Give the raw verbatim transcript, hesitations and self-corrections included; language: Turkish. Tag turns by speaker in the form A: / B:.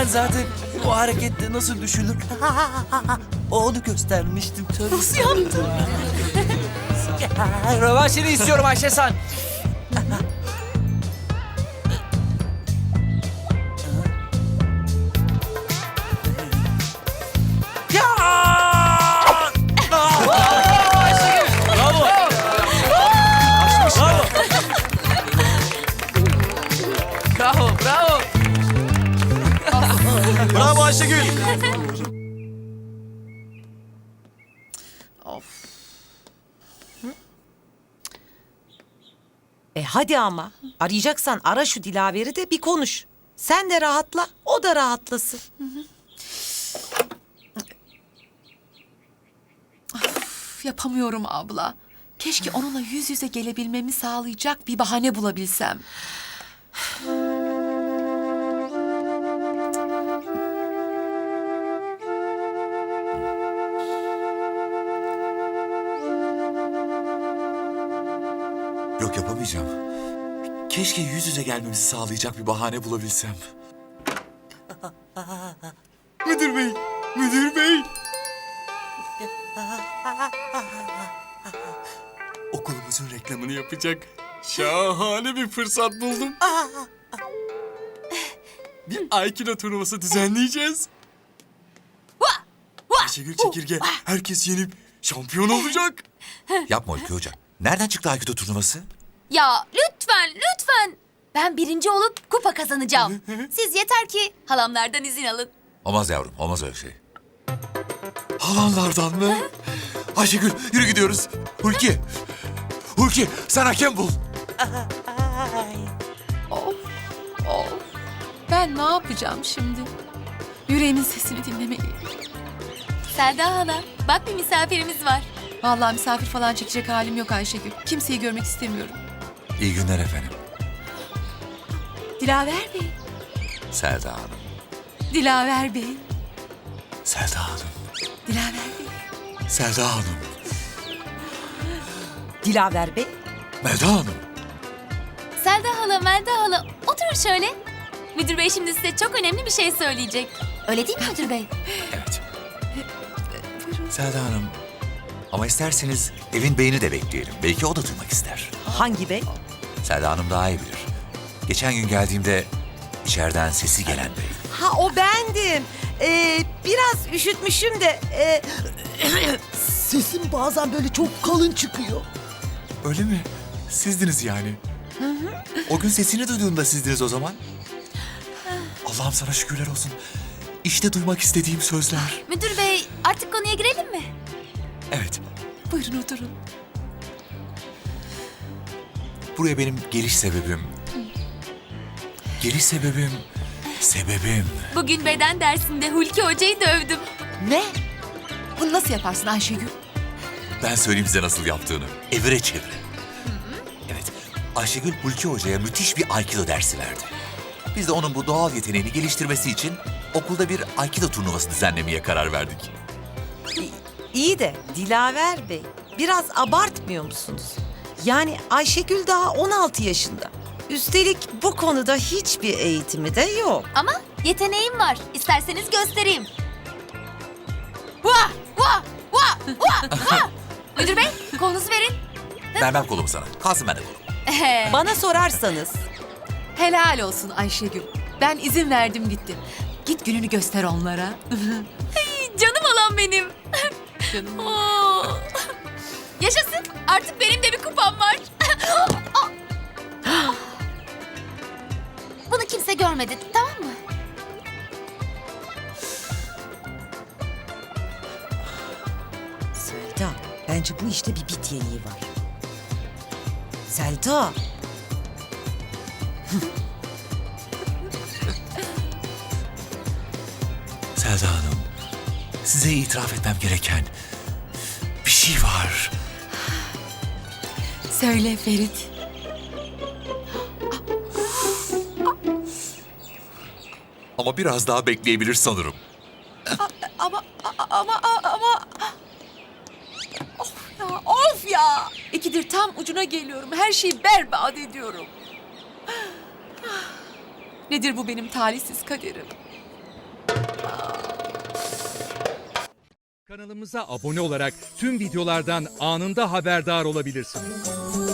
A: zaten o harekette nasıl düşülür onu göstermiştim.
B: Nasıl yaptın?
A: Rövanşını istiyorum Ayşe San. Ya! Bravo! Bravo, bravo. Bravo Ayşegül.
B: E hadi ama. Arayacaksan ara şu Dilaver'i de bir konuş. Sen de rahatla, o da rahatlasın.
C: Üf, yapamıyorum abla. Keşke onunla yüz yüze gelebilmemi sağlayacak bir bahane bulabilsem.
D: Yok, yapamayacağım. Keşke yüz yüze gelmemizi sağlayacak bir bahane bulabilsem. Müdür bey, müdür bey. Okulumuzun reklamını yapacak şahane bir fırsat buldum. Bir Aikido turnuvası düzenleyeceğiz. Ayşegül Çekirge herkes yenip şampiyon olacak. Yapma Ülke Hoca. Nereden çıktı Aikido turnuvası?
E: Ya lütfen, lütfen. Ben birinci olup kupa kazanacağım. Siz yeter ki halamlardan izin alın.
D: Olmaz yavrum, olmaz öyle şey. Halanlardan mı? Ayşegül, yürü gidiyoruz. Hulki, Hulki sen hakem bul.
C: Of, of. Ben ne yapacağım şimdi? Yüreğimin sesini dinlemeliyim.
E: Selda hala, bak bir misafirimiz var.
C: Vallahi misafir falan çekecek halim yok Ayşegül. Kimseyi görmek istemiyorum.
D: İyi günler efendim.
C: Dilaver Bey,
D: Selda Hanım.
C: Dilaver Bey,
D: Selda Hanım.
C: Dilaver Bey.
D: Selda Hanım.
B: Dilaver Bey,
D: Melda Hanım.
E: Selda hala, Melda hala, oturun şöyle. Müdür bey şimdi size çok önemli bir şey söyleyecek. Öyle değil mi müdür bey?
D: Evet. Selda Hanım. Ama isterseniz evin beyini de bekleyelim. Belki o da duymak ister.
B: hangi bey?
D: Selda Hanım daha iyi bilir. Geçen gün geldiğimde içeriden sesi gelen bey.
B: Ha o bendim. Ee, biraz üşütmüşüm de. E, sesim bazen böyle çok kalın çıkıyor.
D: Öyle mi? Sizdiniz yani. O gün sesini duyduğumda sizdiniz o zaman. Allah'ım sana şükürler olsun. İşte duymak istediğim sözler.
E: Müdür bey, artık konuya girelim mi?
D: Evet,
C: Buyurun oturun.
D: buraya benim geliş sebebim... Geliş sebebim... Sebebim...
E: Bugün beden dersinde Hulki hocayı dövdüm.
C: Ne? Bunu nasıl yaparsın Ayşegül?
D: Ben söyleyeyim size nasıl yaptığını. Evire çevire. Evet, Ayşegül Hulki Hoca'ya müthiş bir Aikido dersi verdi. Biz de onun bu doğal yeteneğini geliştirmesi için okulda bir Aikido turnuvası düzenlemeye karar verdik.
B: İyi de Dilaver Bey, biraz abartmıyor musunuz? Yani Ayşegül daha on altı yaşında. Üstelik bu konuda hiçbir eğitimi de yok.
E: Ama yeteneğim var. İsterseniz göstereyim. Vah! Vah! Vah! Vah! Vah! Müdür bey, kolunuzu verin.
D: Vermem kolumu sana. Kalsın bende kolum.
B: Bana sorarsanız
C: Helal olsun Ayşegül. Ben izin verdim gittim. Git gününü göster onlara.
E: Canım olan benim.
C: Canım.
E: Oo. Yaşasın. Artık benim de bir kupam var. Bunu kimse görmedi, tamam mı?
B: Selda, bence bu işte bir bit yeniği var. Selda.
D: Selda Hanım, size itiraf etmem gereken bir şey var.
C: Söyle Ferit.
D: Ama biraz daha bekleyebilir sanırım.
C: Ama ama ama of ya of ya. İkidir tam ucuna geliyorum. Her şeyi berbat ediyorum. Nedir bu benim talihsiz kaderim?
F: Kanalımıza abone olarak tüm videolardan anında haberdar olabilirsiniz.